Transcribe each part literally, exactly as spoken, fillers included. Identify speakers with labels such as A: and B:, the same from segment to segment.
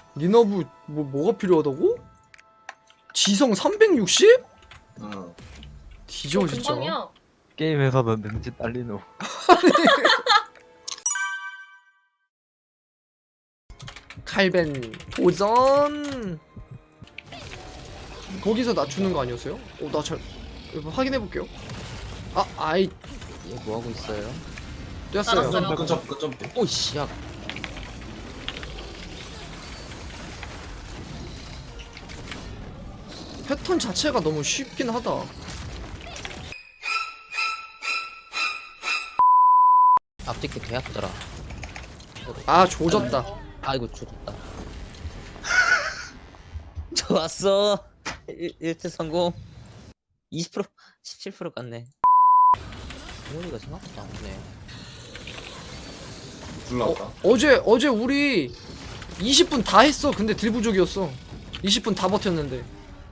A: 니나부 뭐 뭐가 필요하다고? 지성 삼백육십?
B: 어.
A: 뒤져 진짜.
C: 금방이야.
D: 게임에서는 능지 딸리노.
A: 칼벤 도전. 거기서 낮추는 거 아니었어요? 어, 나 잘 확인해 볼게요. 아, 아이
E: 얘 뭐하고 있어요?
A: 뛰었어요.
C: 알았어요.
B: 끈점 끈점 돼.
E: 오이씨 야
A: 패턴 자체가 너무 쉽긴 하다.
E: 앞뒤게 계약더라.
A: 아, 조졌다.
E: 아이고 죽었다. 좋았어. 일 트 성공. 이십 퍼센트 십칠 퍼센트 깠네. 동원이가 생각보다 안 오네.
B: 불 나왔다.
A: 어, 어제 어제 우리 이십 분 다 했어. 근데 딜 부족이었어. 이십 분 다 버텼는데.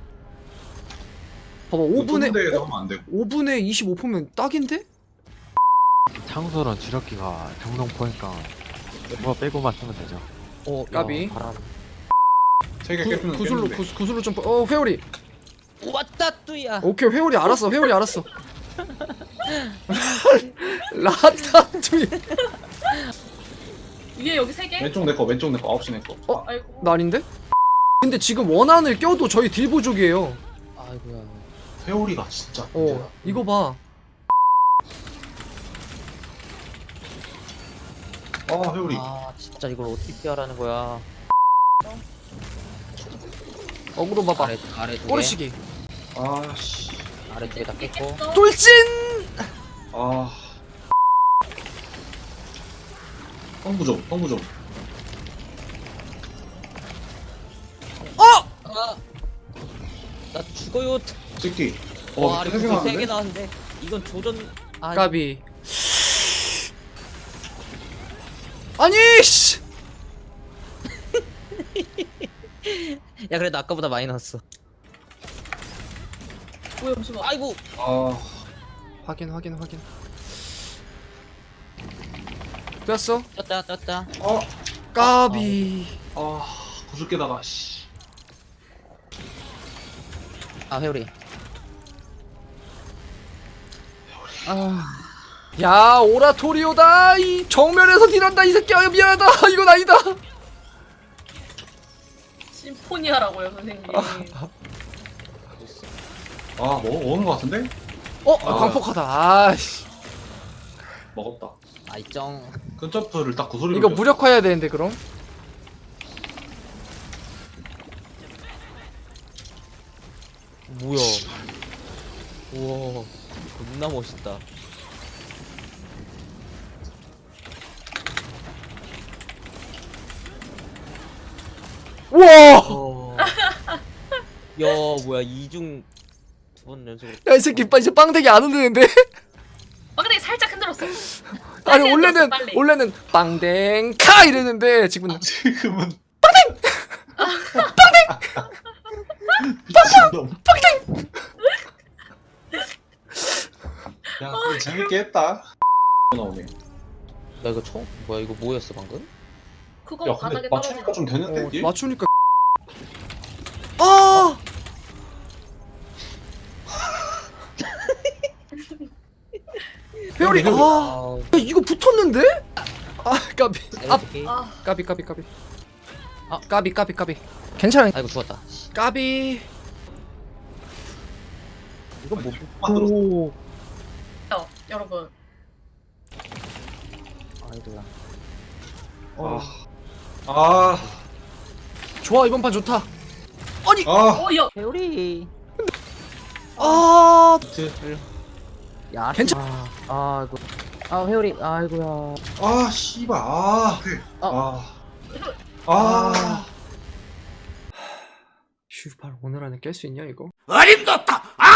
A: 봐봐, 오 분에
B: 대에서
A: 어?
B: 하면 안 되고.
A: 오 분에 이십오 퍼면 딱인데?
D: 창설은 주력기가 정동 포니까 뭐가 빼고만 쓰면 되죠.
E: 오
A: 까비.
E: 바람.
B: 세개
A: 구,
B: 깨면
A: 구슬로
B: 깼는데.
A: 구, 구슬로 점프. 어, 회오리.
E: 왔다 뚜야.
A: 오케이, 회오리 알았어. 회오리 알았어. 라타투이.
C: 위에 여기 세 개?
B: 왼쪽 내 거, 왼쪽 내 거, 아홉 시 내 거.
A: 어?
C: 아이고.
A: 나 아닌데? 근데 지금 원한을 껴도 저희 딜 부족이에요.
E: 아이고야.
B: 회오리가 진짜.
A: 어,
B: 문제다.
A: 이거 봐.
B: 아 회오리.
E: 아 진짜 이걸 어떻게 피하라는 거야.
A: 어그로 봐봐.
E: 아래 아래 두 개.
A: 꼬리치기.
B: 아씨.
E: 아래 두 개 다 깼고.
A: 돌진!
B: 아. 성부 좀, 성부 좀.
A: 어!
E: 아. 나 죽어요.
B: 새끼.
E: 와
B: 어,
E: 아래
B: 세개
E: 세 개
B: 나왔는데?
E: 나왔는데 이건 조전. 아
A: 까비. 아니, 씨!
E: 야 그래도 아까보다 많이 나왔어.
C: 뭐야 잠시만.
E: 아이고.
B: 아.
A: 확인, 확인, 확인. 됐어?
E: 떴다 떴다.
B: 어.
A: 까비.
B: 아. 구슬 깨다가 씨.
E: 아 회오리. 아
A: 야, 오라토리오다. 이 정면에서 딜한다 이 새끼야. 미안하다. 이건 아니다.
C: 심포니아라고요 선생님.
B: 아 먹 먹은 거 같은데?
A: 어,
B: 아.
A: 광폭하다. 아씨.
B: 먹었다.
E: 아이짱.
B: 끈점프를 딱 구슬이.
A: 이거 무력화해야 되는데 그럼?
E: 뭐야? 우와 겁나 멋있다.
A: 우와.
E: 어. 야 뭐야 이중 두 번 연속으로.
A: 야, 이 새끼 이제 빵대기 안 흔드는데?
C: 아 근데 살짝 흔들었어.
A: 아니,
C: 빨리
A: 원래는
C: 흔들었어, 빨리.
A: 원래는 빵댕카 이랬는데 지금은
B: 지금은. 빵댕. 야, 근데 재밌게 했다. 나오네.
E: 나 이거 처음 뭐야 이거 뭐였어 방금?
C: 그거
B: 야,
C: 바닥에
B: 근데 맞추니까
C: 떨어지는.
B: 좀 되는데?
A: 어,
B: 이게?
A: 맞추니까. 아! 회오리. 아,
E: 아우.
A: 야, 이거 붙었는데? 아, 까비. 아,
C: 아
A: 까비 까비 까비.
E: 아.
A: 까비 까비 까비. 괜찮아.
E: 아이고 죽었다.
A: 까비.
E: 이거 뭐?
B: 만들었어.
A: 오.
C: 요, 여러분.
E: 아이고야.
B: 아. 아.
A: 좋아, 이번 판 좋다. 아니.
B: 아.
C: 어야
E: 회오리.
A: 아,
E: 야
A: 괜찮-
E: 아, 아 이거. 아 회오리. 아이고야.
B: 아, 씨발. 아. 그.
E: 어.
B: 아. 아.
A: 슈발 오늘 안에 깰 수 있냐 이거?
F: 어림도없다!